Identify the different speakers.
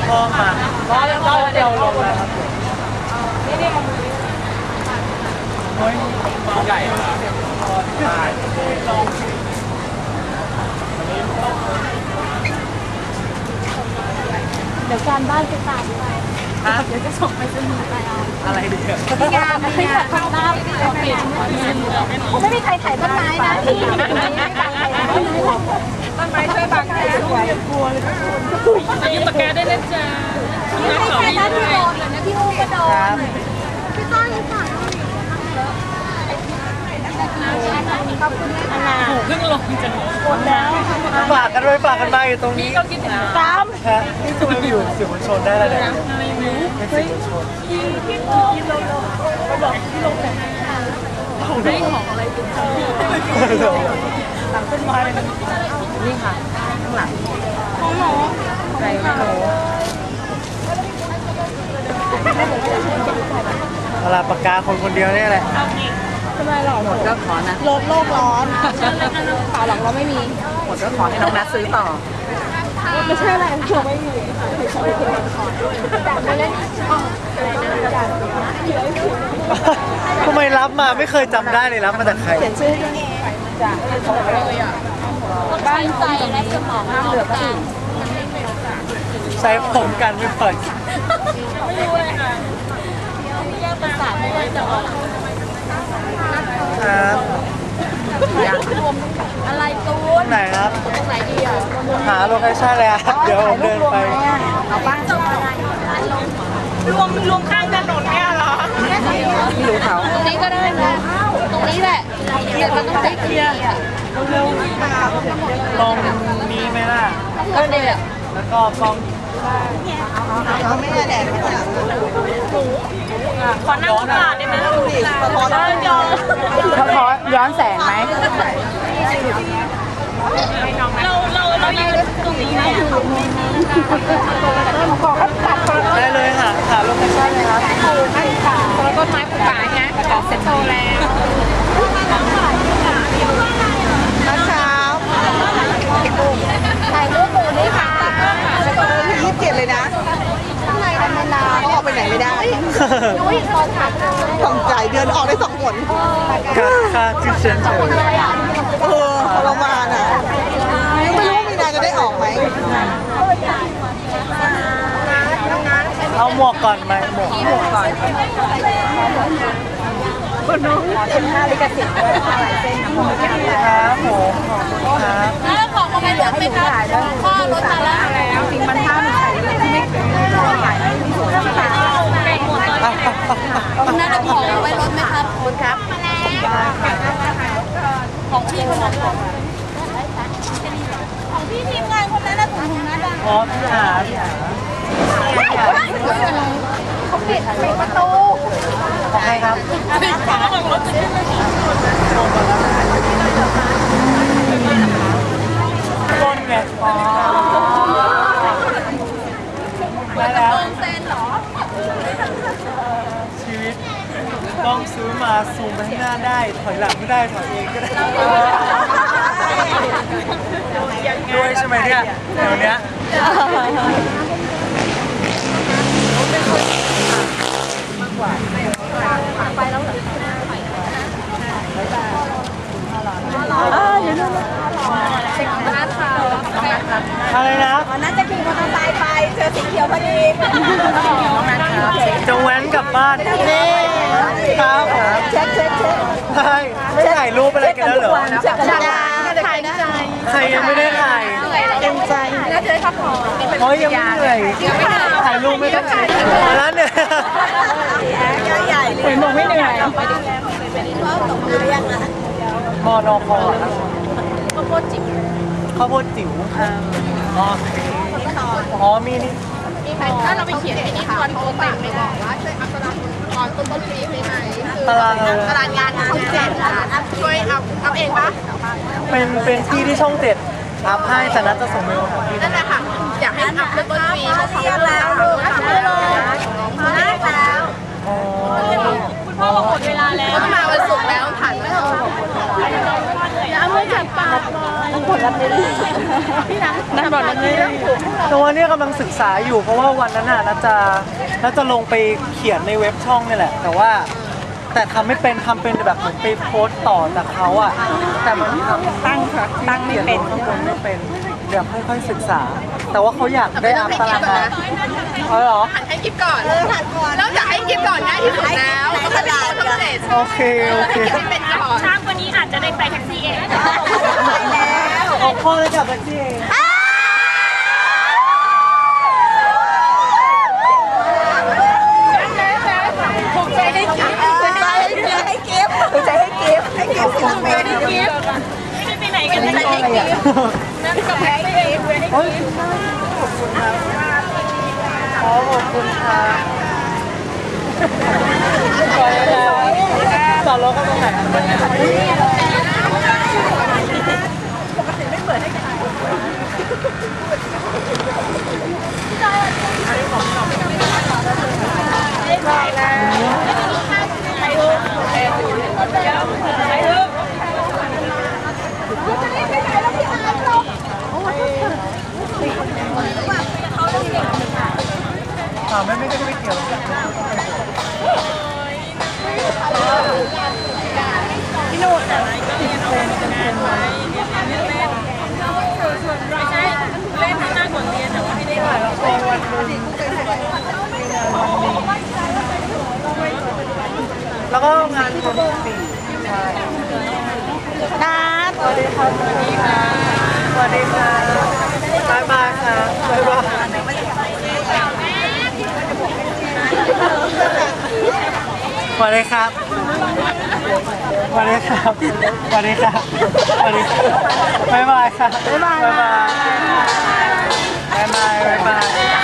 Speaker 1: พ่อมาเราเดี๋ยวลงแล้วครับโอ้ยใหญ่มากใช่
Speaker 2: เดี๋ยวการบ้านจะตามไปเดี๋ยวจะส่งไปสนีย์ไปเอา
Speaker 1: อะไรดีอ่ะ
Speaker 2: มีงานข้างหน้าไม่มีใครถ่ายต้นไม้นะที่ไม่บังใครต้นไม้ช่วยบังใครสวยกลัวเลยจะยืมปากกาได้นะจ๊ะไม่ใช่นะที่โดนเลยนะที่อุ้มก็โดนพี่ต้อยฝากขอบคุณนะเพิ่งลงจังหมดแล้ว
Speaker 1: ฝากกันด้วยฝากกันมาอยู่ตรงนี้
Speaker 2: ก็คิดถึงตาม
Speaker 1: ฮะนี่จูนอยู่สื่อมวลชนได้แล้วเนี่ยเป็นสื่อมวลชน
Speaker 2: ที่บอกที่ลงแต่ไม่ของอะไรเป็น
Speaker 1: หลังต้นไม้
Speaker 2: นี่ค่ะข้างหลังของหนูใครไม่รู้
Speaker 1: เวลาปากกาคนเดียวนี่แหละ
Speaker 2: ทำไมหรอหมดก็ขอนะลดโลกร้อนข่าวหลังเราไม่มีหมดก็ขอให้น้องนัทซื้อต่อไม่ใช่อะไรเราไม่มี
Speaker 1: ทำไมรับมาไม่เคยจำได้เลยรับมาจากใคร
Speaker 2: เขียนชื่อจ้ะเลยอ่ะบ้านใจและสมองเหลือก็อีก
Speaker 1: ใช้ผมกันไม่เปิด
Speaker 2: ไม่รู้เลยค่ะแยกประสาทไม่ได้จะออก
Speaker 1: ครับ
Speaker 2: อะไรตูน
Speaker 1: ไหนครับ
Speaker 2: ตรงไหนดีอ่ะ
Speaker 1: หาโลเคชั่นเลยครับเดี๋ยวผมเดินไป
Speaker 2: เอาบ้านจะมารวมข้างถนนเนี่ยเหรอไม่รู้เขาตรงนี้ก็ได้นะตรงนี้แหละเดี๋ยวมันต้องใส่เคลียร์
Speaker 1: ตรงนี้ไหมล่ะ
Speaker 2: ก็เดี๋ยว
Speaker 1: แล้วก็กล้อง
Speaker 2: เขาไม่ได้แดดขอนั่งกระดาษได้ไหมขอย้อนแสงไหมเรายืนตรงนี้ไหม
Speaker 1: ได้เลยหาโลเคชั่นเลยครับ
Speaker 2: แล้วก็ไม้ปลูกป่าไงต่อเสร็จโตแล้วเช้าถ่ายรูปหมูนี่ค่ะ27เลยนะข้างในทำนานออกไปไหนไม่ได้นุ้ยตอนถ่ายต้องจ่ายเดือนออกได้2 หน
Speaker 1: ค่าที่เซ็นเตอร์
Speaker 2: ทรมานอ่ะไม่รู้มีนาจะได้ออกไหม
Speaker 1: เอาหมวกก่อนไหมหมวกก่อน
Speaker 2: คนน้องเป็น5 ลิขสิทธิ์ด้วยหลายเส้น
Speaker 1: ครับผมครับ
Speaker 2: แล้วของมาลดไหมคะพ่อลดมาแล้วจริงมัน5 หนึ่งขายไม่สวยนั่นของไว้ลดไหมครับคุณครับของพี่คนนั้นของพี่ทีมงานคนนั้นนะถุงนั้นอ่ะ
Speaker 1: อ๋อพี่หา
Speaker 2: เขาปิดประตู
Speaker 1: ของใครครับ
Speaker 2: ปิดฝาของรถ
Speaker 1: ต้นไงอ๋อได้แล้ว
Speaker 2: เซ็นเหรอ
Speaker 1: ชีวิตต้องซื้อมาซูมไปข้างหน้าได้ถอยหลังไม่ได้ถอยเองก็ได้ด้วยใช่ไหมเนี่ยเดี๋ยวนี้
Speaker 2: ไปแล้วเหรออยู่นู่นเช็คหน้าเท้า
Speaker 1: อะไรนะ
Speaker 2: น่าจะขี่มอเตอร์ไซค์ไปเจอสีเขียวพอดี
Speaker 1: จะแว้นกลับบ้านนี่ครับ
Speaker 2: เช็ค
Speaker 1: ใช่ไม่ถ่ายรูปอะไรกันแล้วเหรอ
Speaker 2: เช็คกันถ่ายใจ
Speaker 1: ใครยังไม่ได้ถ่าย
Speaker 2: เต็มใจน่าจะได้พักผ่อน
Speaker 1: เพราะยังไม่เหนื่อยถ่ายรูปไม่ได้แล้วเนี่ย
Speaker 2: ใหญ่เลยหนูไม่เหนื่อย
Speaker 1: มอนอคอครับ
Speaker 2: ข้าวโพดจิ๋ว
Speaker 1: อ๋อมีนี่
Speaker 2: ถ้าเราไปเขียนในนี้ตอนโทรเต็มไม่บอกว่าช่วยอัพตารางตอนต้นปีได้ไหม
Speaker 1: ตาราง
Speaker 2: งานช่อง7ช่วยอัพเองปะ
Speaker 1: เป็นที่ช่อง7อัพให้แต่นัดจะส่งเมล
Speaker 2: นั่นแหละค่ะอยากให้อัพต้นปีเพราะเขาแล้ว
Speaker 1: อ๋อ
Speaker 2: คุณพ่อหมดเวลาแล้วมาวันศุกร์แล้วผ่านไม่ออกแล้วไม่จับปากเลยรับนี้นัดบอลรับนี้
Speaker 1: ตัวเนี้ยกำลังศึกษาอยู่เพราะว่าวันนั้นน่ะน่าจะลงไปเขียนในเว็บช่องนี่แหละแต่ทำไม่เป็นทำเป็นแบบเหมือนไปโพสต์ต่อจากเขาอ่ะแต่มันทำตั้งไม่เป็นข้างบนไม่เป็นเดี๋ยวค่อยๆศึกษา แต่ว่าเขาอยากได้อัพตารางงานเหรอ
Speaker 3: ให้กิฟก่อนเริ่มจากให้กิฟก่อนง่ายที่สุดแล้วก็จะเป็นตัวสำเร็จ
Speaker 1: โอเค
Speaker 3: เป็นก่อน
Speaker 2: ช้างวันนี้อาจจะได้ไปแท็กซี่เอง
Speaker 1: เอาพ่อเลยกับแท็กซี่เอง
Speaker 3: ถูกใจให้กิฟถูกใจให้กิฟศิลปินให้กิฟ
Speaker 2: ไม่ได้ไปไหนกันเลย
Speaker 3: ให้กิฟนั่นกับให้กิฟ
Speaker 1: โอ้ยขอบคุณครับขอบคุณครับจอดรถกันตรงไหนไม่ได้เกี่ยวกันพี่โน้ตแต่ไม่ใช่เล่นให้หน้าก่อนเรียนแต่ว่าให้ได้ถ่ายละครวันนึงแล้วก็งานคนสี่ใช่นัดสวัสดีครับสวัสดีค่ะสวัสดีค่ะบ๊ายบายค่ะบ๊ายบายสวัสดีครับสวัสดีครับสวัสดีครับสวัสดีครับบ๊ายบายครับบ๊ายบายบ๊ายบายบ๊ายบาย